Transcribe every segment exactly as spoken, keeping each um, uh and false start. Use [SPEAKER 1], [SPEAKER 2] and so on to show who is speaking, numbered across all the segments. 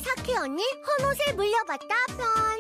[SPEAKER 1] 사키 언니 헌옷을 물려받다 편.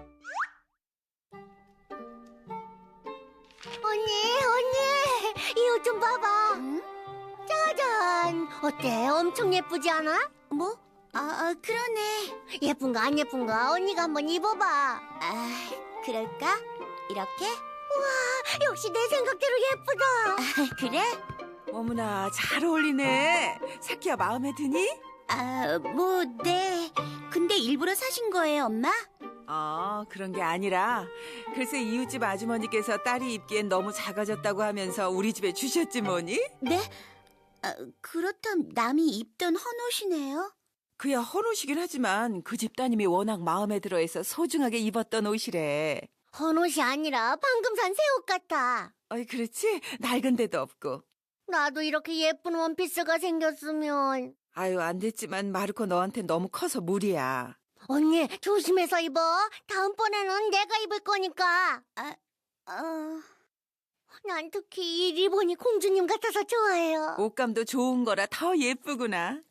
[SPEAKER 1] 언니, 언니, 이 옷 좀 봐봐.
[SPEAKER 2] 응?
[SPEAKER 1] 짜잔. 어때? 엄청 예쁘지 않아?
[SPEAKER 2] 뭐? 아, 아, 그러네.
[SPEAKER 1] 예쁜가 안 예쁜가? 언니가 한번 입어봐.
[SPEAKER 2] 아, 그럴까? 이렇게?
[SPEAKER 1] 와, 역시 내 생각대로 예쁘다.
[SPEAKER 2] 아, 그래?
[SPEAKER 3] 어머나, 잘 어울리네. 사키야, 마음에 드니?
[SPEAKER 2] 아, 뭐, 네. 근데 일부러 사신 거예요, 엄마?
[SPEAKER 3] 아, 그런 게 아니라 글쎄 이웃집 아주머니께서 딸이 입기엔 너무 작아졌다고 하면서 우리 집에 주셨지 뭐니?
[SPEAKER 2] 네? 아, 그렇다면 남이 입던 헌옷이네요?
[SPEAKER 3] 그야 헌옷이긴 하지만 그 집 따님이 워낙 마음에 들어해서 소중하게 입었던 옷이래.
[SPEAKER 1] 헌옷이 아니라 방금 산 새 옷 같아.
[SPEAKER 3] 어이, 그렇지? 낡은 데도 없고.
[SPEAKER 1] 나도 이렇게 예쁜 원피스가 생겼으면.
[SPEAKER 3] 아유, 안 됐지만 마르코 너한테 너무 커서 무리야.
[SPEAKER 1] 언니, 조심해서 입어. 다음번에는 내가 입을 거니까.
[SPEAKER 2] 아, 어...
[SPEAKER 1] 난 특히 이 리본이 공주님 같아서 좋아해요.
[SPEAKER 3] 옷감도 좋은 거라 더 예쁘구나.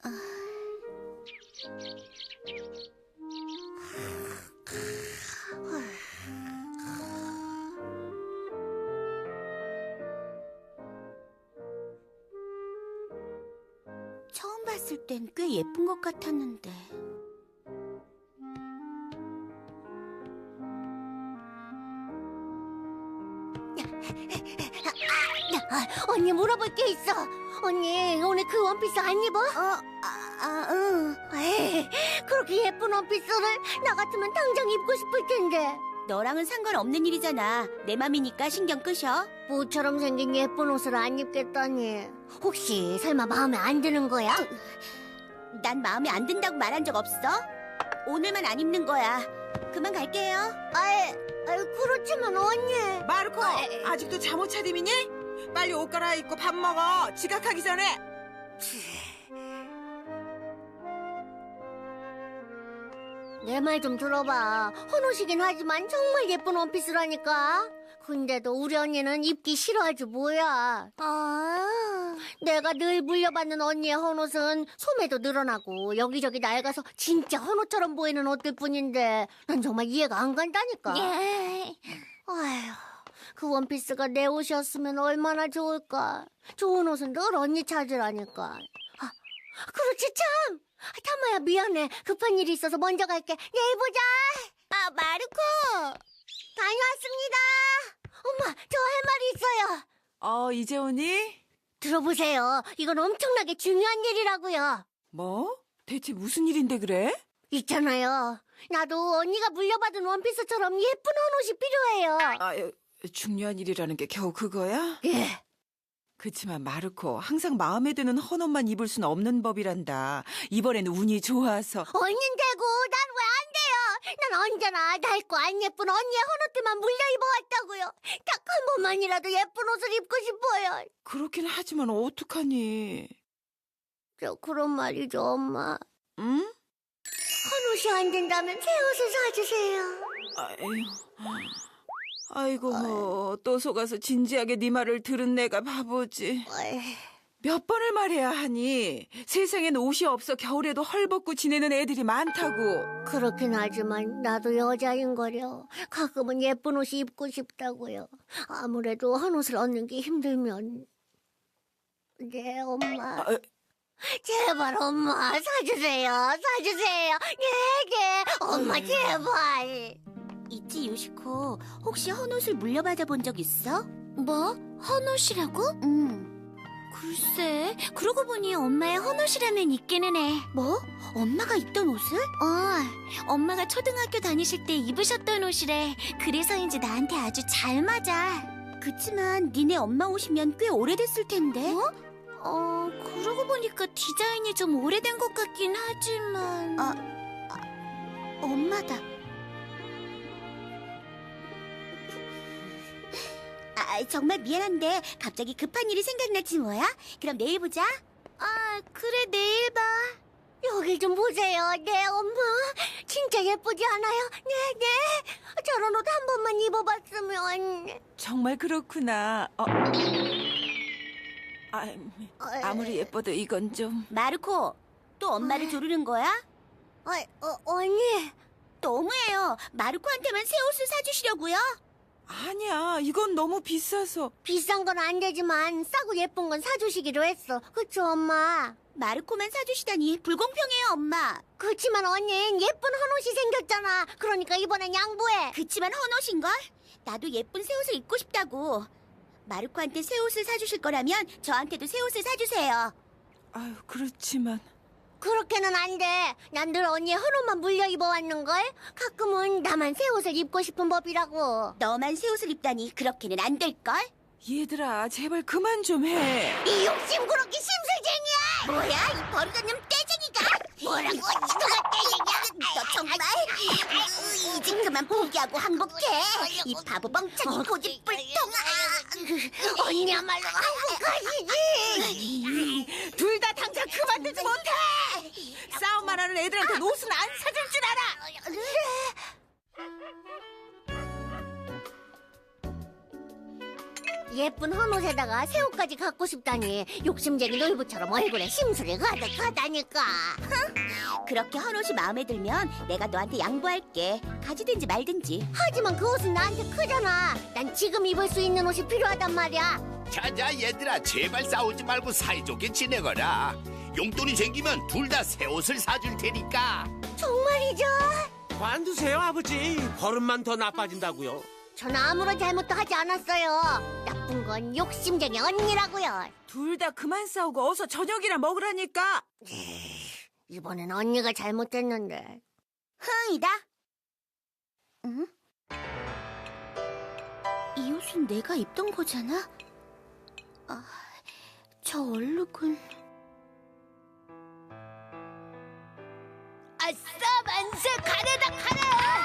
[SPEAKER 2] 처음 봤을 땐 꽤 예쁜 것 같았는데.
[SPEAKER 1] 아, 언니 물어볼 게 있어. 언니 오늘 그 원피스 안 입어?
[SPEAKER 2] 어, 아, 아, 응.
[SPEAKER 1] 에이, 그렇게 예쁜 원피스를 나 같으면 당장 입고 싶을 텐데.
[SPEAKER 2] 너랑은 상관없는 일이잖아. 내 맘이니까 신경 끄셔.
[SPEAKER 1] 모처럼 생긴 예쁜 옷을 안 입겠다니. 혹시 설마 마음에 안 드는 거야?
[SPEAKER 2] 난 마음에 안 든다고 말한 적 없어? 오늘만 안 입는 거야. 그만 갈게요.
[SPEAKER 1] 아이, 아이 그렇지만 언니.
[SPEAKER 3] 마르코,
[SPEAKER 1] 아, 에, 에.
[SPEAKER 3] 아직도 잠옷 차림이니? 빨리 옷 갈아입고 밥 먹어. 지각하기 전에.
[SPEAKER 1] 내 말 좀 들어봐. 헌옷이긴 하지만 정말 예쁜 원피스라니까. 근데도 우리 언니는 입기 싫어하지 뭐야.
[SPEAKER 2] 아,
[SPEAKER 1] 내가 늘 물려받는 언니의 헌옷은 소매도 늘어나고 여기저기 낡아서 진짜 헌옷처럼 보이는 옷들 뿐인데 난 정말 이해가 안 간다니까.
[SPEAKER 2] 예.
[SPEAKER 1] 아휴, 그 원피스가 내 옷이었으면 얼마나 좋을까. 좋은 옷은 늘 언니 찾으라니까. 아, 그렇지 참. 타마야 미안해. 급한 일이 있어서 먼저 갈게. 내일 보자.
[SPEAKER 2] 아, 마르코!
[SPEAKER 1] 다녀왔습니다. 엄마, 저 할 말이 있어요.
[SPEAKER 3] 어, 이제 오니?
[SPEAKER 1] 들어보세요. 이건 엄청나게 중요한 일이라고요.
[SPEAKER 3] 뭐? 대체 무슨 일인데 그래?
[SPEAKER 1] 있잖아요. 나도 언니가 물려받은 원피스처럼 예쁜 헌옷이 필요해요.
[SPEAKER 3] 아, 중요한 일이라는 게 겨우 그거야?
[SPEAKER 1] 예.
[SPEAKER 3] 그치만 마르코, 항상 마음에 드는 헌옷만 입을 순 없는 법이란다. 이번에는 운이 좋아서.
[SPEAKER 1] 언닌 되고 난 왜 안 돼요? 난 언제나 낡고 안 예쁜 언니의 헌옷들만 물려 입어왔다고요. 딱 한 번만이라도 예쁜 옷을 입고 싶어요.
[SPEAKER 3] 그렇긴 하지만 어떡하니?
[SPEAKER 1] 저 그런 말이죠, 엄마.
[SPEAKER 3] 응?
[SPEAKER 1] 헌옷이 안 된다면 새 옷을 사주세요.
[SPEAKER 3] 아유, 아이고 뭐, 또 속아서 진지하게 네 말을 들은 내가 바보지.
[SPEAKER 1] 어이,
[SPEAKER 3] 몇 번을 말해야 하니? 세상엔 옷이 없어 겨울에도 헐벗고 지내는 애들이 많다고.
[SPEAKER 1] 그렇긴 하지만 나도 여자인거려. 가끔은 예쁜 옷이 입고 싶다고요. 아무래도 헌옷을 얻는 게 힘들면. 네, 엄마.
[SPEAKER 3] 아,
[SPEAKER 1] 제발 엄마 사주세요. 사주세요. 네, 네. 엄마 제발.
[SPEAKER 2] 있지, 요시코. 혹시 헌옷을 물려받아 본 적 있어? 뭐? 헌옷이라고? 응. 글쎄, 그러고 보니 엄마의 헌옷이라면 있기는 해. 뭐? 엄마가 입던 옷을? 어, 엄마가 초등학교 다니실 때 입으셨던 옷이래. 그래서인지 나한테 아주 잘 맞아. 그치만 니네 엄마 옷이면 꽤 오래됐을 텐데. 어? 어, 그러고 보니까 디자인이 좀 오래된 것 같긴 하지만... 아, 아 엄마다. 아, 정말 미안한데 갑자기 급한 일이 생각났지 뭐야? 그럼 내일 보자. 아, 그래, 내일 봐.
[SPEAKER 1] 여기 좀 보세요. 네, 엄마. 진짜 예쁘지 않아요? 네, 네. 저런 옷 한 번만 입어봤으면.
[SPEAKER 3] 정말 그렇구나. 어. 아, 아무리 예뻐도 이건 좀.
[SPEAKER 2] 마르코, 또 엄마를 조르는 거야?
[SPEAKER 1] 아, 어, 언니.
[SPEAKER 2] 너무해요. 마르코한테만 새 옷을 사주시려고요?
[SPEAKER 3] 아니야, 이건 너무 비싸서.
[SPEAKER 1] 비싼 건 안 되지만 싸고 예쁜 건 사주시기로 했어. 그쵸, 엄마?
[SPEAKER 2] 마르코만 사주시다니 불공평해요, 엄마.
[SPEAKER 1] 그치만 언닌 예쁜 헌옷이 생겼잖아. 그러니까 이번엔 양보해.
[SPEAKER 2] 그치만 헌옷인걸? 나도 예쁜 새 옷을 입고 싶다고. 마르코한테 새 옷을 사주실 거라면 저한테도 새 옷을 사주세요.
[SPEAKER 3] 아유, 그렇지만.
[SPEAKER 1] 그렇게는 안 돼. 난 늘 언니의 헌옷만 물려 입어왔는걸. 가끔은 나만 새 옷을 입고 싶은 법이라고.
[SPEAKER 2] 너만 새 옷을 입다니 그렇게는 안 될걸?
[SPEAKER 3] 얘들아, 제발 그만 좀 해.
[SPEAKER 1] 이 욕심꾸러기 심술쟁이야.
[SPEAKER 2] 뭐야, 이 버릇없는 떼쟁이가? 뭐라고? 누가 떼쟁이야? 너 정말? 이제 그만 포기하고 항복해. 이 바보 멍청이 고집불통아.
[SPEAKER 1] 언니야말로 행복하시지.
[SPEAKER 3] 둘 다 당장 그만두지 못해. 싸움만 하는 애들한테 옷은 안 사줄 줄 알아.
[SPEAKER 1] 예쁜 헌옷에다가 새 옷까지 갖고 싶다니 욕심쟁이 놀부처럼 얼굴에 심술이 가득하다니까.
[SPEAKER 2] 그렇게 헌옷이 마음에 들면 내가 너한테 양보할게. 가지든지 말든지.
[SPEAKER 1] 하지만 그 옷은 나한테 크잖아. 난 지금 입을 수 있는 옷이 필요하단 말이야.
[SPEAKER 4] 자자 얘들아 제발 싸우지 말고 사이좋게 지내거라. 용돈이 생기면 둘 다 새 옷을 사줄 테니까.
[SPEAKER 1] 정말이죠?
[SPEAKER 5] 관두세요, 아버지. 버릇만 더 나빠진다고요.
[SPEAKER 1] 전 아무런 잘못도 하지 않았어요. 나쁜 건 욕심쟁이 언니라고요.
[SPEAKER 3] 둘 다 그만 싸우고 어서 저녁이나 먹으라니까.
[SPEAKER 1] 이번엔 언니가 잘못했는데.
[SPEAKER 2] 흥이다. 응? 이 옷은 내가 입던 거잖아? 아, 저 얼룩은...
[SPEAKER 1] 아싸 만세 가래다 가래.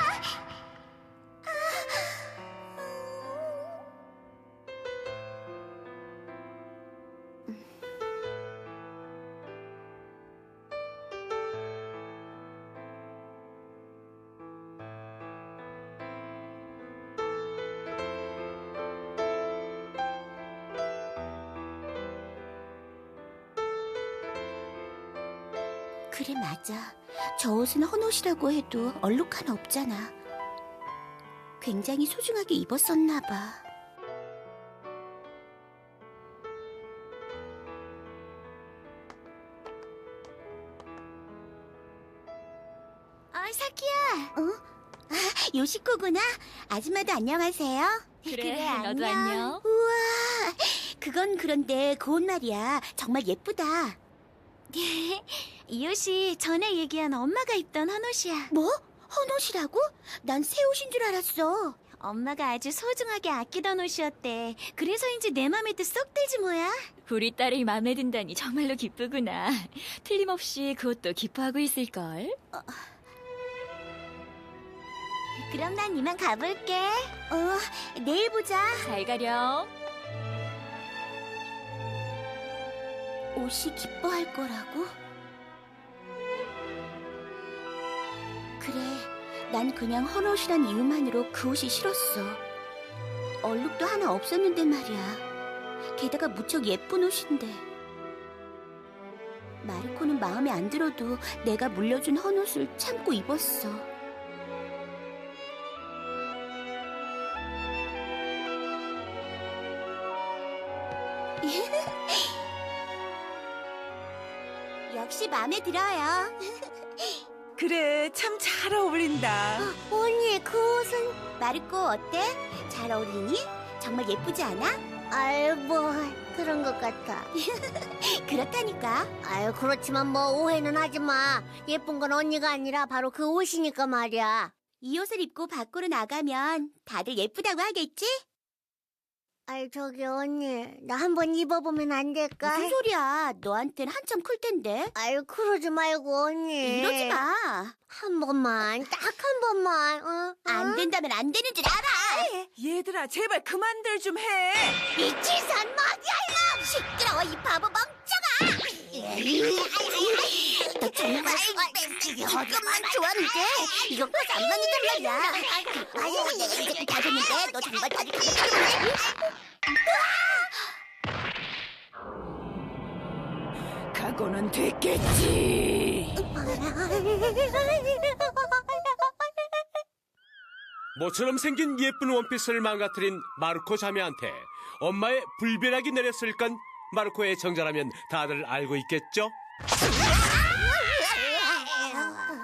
[SPEAKER 2] 그래, 맞아. 저 옷은 헌옷이라고 해도 얼룩 하나 없잖아. 굉장히 소중하게 입었었나 봐. 어, 사키야. 어? 아, 요시코구나. 아줌마도 안녕하세요.
[SPEAKER 6] 그래, 너도 안녕.
[SPEAKER 2] 우와, 그건 그런데 그 옷 말이야. 정말 예쁘다.
[SPEAKER 6] 이 옷이 전에 얘기한 엄마가 입던 헌옷이야.
[SPEAKER 2] 뭐? 헌옷이라고? 난 새 옷인 줄 알았어.
[SPEAKER 6] 엄마가 아주 소중하게 아끼던 옷이었대. 그래서인지 내 맘에도 쏙 들지 뭐야. 우리 딸이 마음에 든다니 정말로 기쁘구나. 틀림없이 그 옷도 기뻐하고 있을걸.
[SPEAKER 2] 그럼 난 이만 가볼게. 어, 내일 보자.
[SPEAKER 6] 잘 가렴.
[SPEAKER 2] 옷이 기뻐할 거라고? 그래, 난 그냥 헌옷이란 이유만으로 그 옷이 싫었어. 얼룩도 하나 없었는데 말이야. 게다가 무척 예쁜 옷인데. 마르코는 마음에 안 들어도 내가 물려준 헌옷을 참고 입었어. 역시 마음에 들어요.
[SPEAKER 3] 그래, 참 잘 어울린다.
[SPEAKER 1] 언니 그 옷은
[SPEAKER 2] 마르코 어때? 잘 어울리니? 정말 예쁘지 않아?
[SPEAKER 1] 아유 뭐 그런 것 같아.
[SPEAKER 2] 그렇다니까.
[SPEAKER 1] 아유 그렇지만 뭐 오해는 하지 마. 예쁜 건 언니가 아니라 바로 그 옷이니까 말이야.
[SPEAKER 2] 이 옷을 입고 밖으로 나가면 다들 예쁘다고 하겠지?
[SPEAKER 1] 아유 저기 언니 나 한번 입어보면 안 될까?
[SPEAKER 2] 무슨 소리야? 너한텐 한참 클 텐데.
[SPEAKER 1] 아유 그러지 말고 언니.
[SPEAKER 2] 이러지 마.
[SPEAKER 1] 한 번만 딱 한 번만. 어?
[SPEAKER 2] 안
[SPEAKER 1] 어?
[SPEAKER 2] 된다면 안 되는 줄 알아.
[SPEAKER 3] 얘들아, 제발 그만들 좀 해.
[SPEAKER 1] 이 치산 먹이야.
[SPEAKER 2] 시끄러워, 이 바보 멍청아. 너 정말 이것만 좋아하는데 이것까지 안 맞는단 말이야. 아유, 내가 이제 다 됐는데 너 정말 아직 가면
[SPEAKER 3] 각오는 됐겠지.
[SPEAKER 1] 아,
[SPEAKER 5] 모처럼 생긴 예쁜 원피스를 망가뜨린 마르코 자매한테 엄마의 불벼락이 내렸을 건 마르코의 정자라면 다들 알고 있겠죠?